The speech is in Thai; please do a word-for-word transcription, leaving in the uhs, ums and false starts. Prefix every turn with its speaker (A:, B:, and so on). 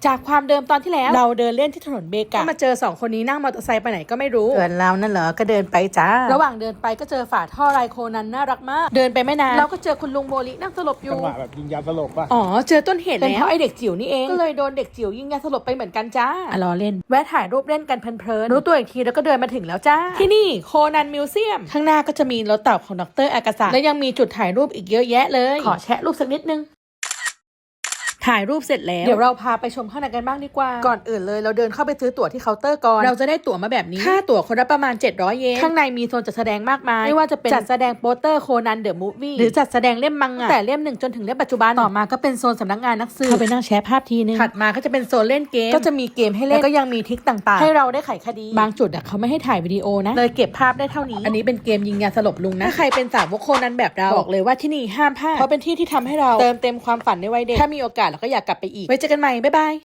A: จากความเดิมตอนที่แล้วเราเดินเล่นที่ถนนเบกาก็มาเจอสองคนนี้นั่งมอเตอร์ไซค์ไปไหนก็ไม่รู้เอินเรานั่นเหรอก็เดินไปจ้าระหว่างเดินไปก็เจอฝาท่อไรโคนันน่ารักมากเดินไปไม่นานเราก็เจอคุณลุงโมลินั่งสลบอยู่
B: จังหวะแบบยิงยาสลบป่ะ
A: อ๋อเจอต้นเหตุแล้วเป็นเพราะไอเด็กจิ๋วนี่เองก็เลยโดนเด็กจิ๋วยิงยาสลบไปเหมือนกันจ้าอ่ะรอเล่นแวะถ่ายรูปเล่นกันเพลินๆรู้ตัวอีกทีแล้วก็เดินมาถึงแล้วจ้าที่นี่โคนันมิวเซียมข้างหน้าก็จะมีรถเต่าของดร.อากาศะและยังมีจุดถ่ายรูปอีกเยอะแยะเลยขอแชะรูปสักนิดนึงถ่ายรูปเสร็จแล้วเดี๋ยวเราพาไปชมข้างในกันบ้างดีกว่าก่อนอื่นเลยเราเดินเข้าไปซื้อตั๋วที่เคาน์เตอร์ก่อนเราจะได้ตั๋วมาแบบนี้ค่าตั๋วคนละประมาณเจ็ดร้อยเยนข้างในมีโซนจัดแสดงมากมายไม่ว่าจะเป็นจัดแสดงโปสเตอร์โคนันเดอะมูฟวี่หรือจัดแสดงเล่มมังงะแต่เล่มหนึ่งจนถึงเล่มปัจจุบันต่อมาก็เป็นโซนสำนักงานนักสืบเข้าไปนั่งแชร์ภาพทีนึงถัดมาก็จะเป็นโซนเล่นเกมก็จะมีเกมให้เล่นแล้วก็ยังมีทริคต่างๆให้เราได้ไขคดีบางจุดเขาไม่ให้ถ่ายวิดีโอนะเลยเก็บภาพได้เท่านี้อันนี้เป็นเกมยิงยาสลบลุงนะถ้าใครเป็นสาวกโคนันแบบเราบอกเลยว่าที่นี่ห้ามพลาดเพราะเป็นที่ที่ทำให้เราเติมเต็มความฝันในวัยเด็กถ้ามีโอกาสเราก็อยากกลับไปอีกไว้เจอกันใหม่บ๊ายบาย